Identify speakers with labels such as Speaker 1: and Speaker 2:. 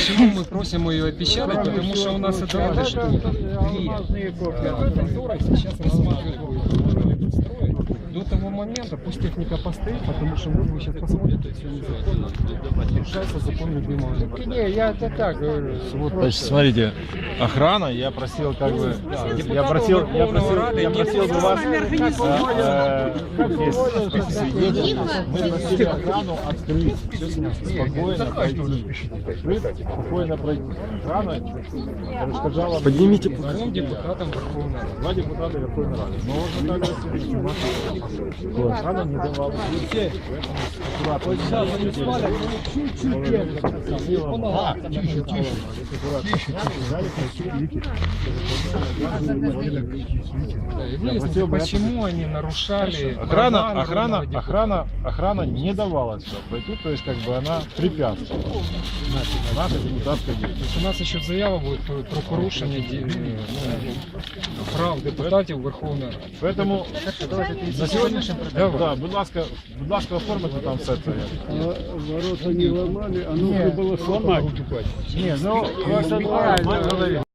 Speaker 1: Почему мы просим ее опечатать? Потому что у нас это надо, что две конторы сейчас рассматривают строить. До того момента пусть техника постоит, потому что вы сейчас посмотрите, все незаконно. Нарушается закон любимого.
Speaker 2: Не, я это так говорю.
Speaker 3: Значит, смотрите, охрана, я просил как бы, я просил бы вас, как есть свидетели, мы просили охрану открыть, спокойно пройти, спокойно пройти. Охрана перешкоджала.
Speaker 1: Поднимите двум депутатам Верховной Рады.
Speaker 3: Два депутата Верховной Рады. Но можно так охрана не давала.
Speaker 1: Почему они нарушали?
Speaker 3: Охрана не давала сюда пройти, то есть как бы она препятствовала нашей депутатской
Speaker 1: То
Speaker 3: деятельности.
Speaker 1: есть у нас еще заява будет про порушення прав депутатів Верховної Ради.
Speaker 3: Поэтому на сьогоднішній
Speaker 1: Давай.
Speaker 3: будь ласка, оформите там все це.
Speaker 2: Ворота не ломали, а нужно было сломать.
Speaker 3: Ні, ну,